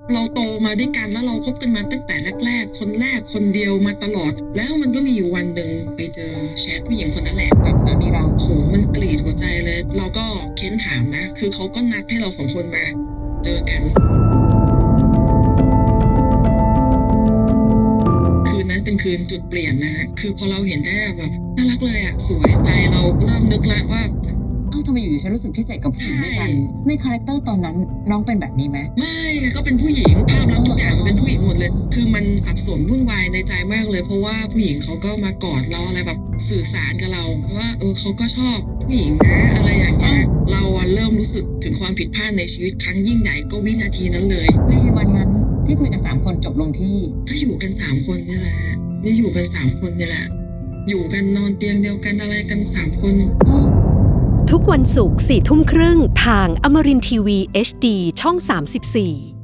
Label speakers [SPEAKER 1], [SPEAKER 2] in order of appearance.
[SPEAKER 1] เราโตมาด้วยกันแล้วเราคบกันมาตั้งแต่แรกๆคนเดียวมาตลอดแล้วมันก็มีอยู่วันหนึ่งไปเจอแชทผู้หญิงคนนั้นแหละกับสามีเราโหมันกรีดหัวใจเลยเราก็เค้นถามนะคือเขาก็นัดให้เรา2 คนมาเจอกันคืนนั้นเป็นคืนจุดเปลี่ยนนะคือพอเราเห็นได้แบบน่ารักเลยอะสวยใจเราเริ่มนึกแล้วว่า
[SPEAKER 2] ทำไมอยู่ๆฉันรู้สึกพิเศษกับผู้หญิงด้วยกันในคาแรคเตอร์ตอนนั้นน้องเป็นแบบนี้ไหม
[SPEAKER 1] ไม่ก็เป็นผู้หญิงภาพลักษณ์ทุกอย่างเป็นผู้หญิงหมดเลยคือมันสับสนวุ่นวายในใจมากเลยเพราะว่าผู้หญิงเขาก็มากอดเราอะไรแบบสื่อสารกับเราว่าเขาก็ชอบผู้หญิงนะอะไรอย่างเงี้ยเราเริ่มรู้สึกถึงความผิดพลาดในชีวิตครั้งยิ่งใหญ่ก็วินาทีนั้นเลย
[SPEAKER 2] ในวันนั้นที่คุยกัน3 คนจบลงที่
[SPEAKER 1] ถ้าอยู่กัน3 คนนี่แหละนี่อยู่กัน3 คนนี่แหละอยู่กันนอนเตียงเดียวกันอะไรกัน3 คน
[SPEAKER 3] ทุกวันศุกร์ 4 ทุ่มครึ่งทางอมรินทร์ทีวี HD ช่อง 34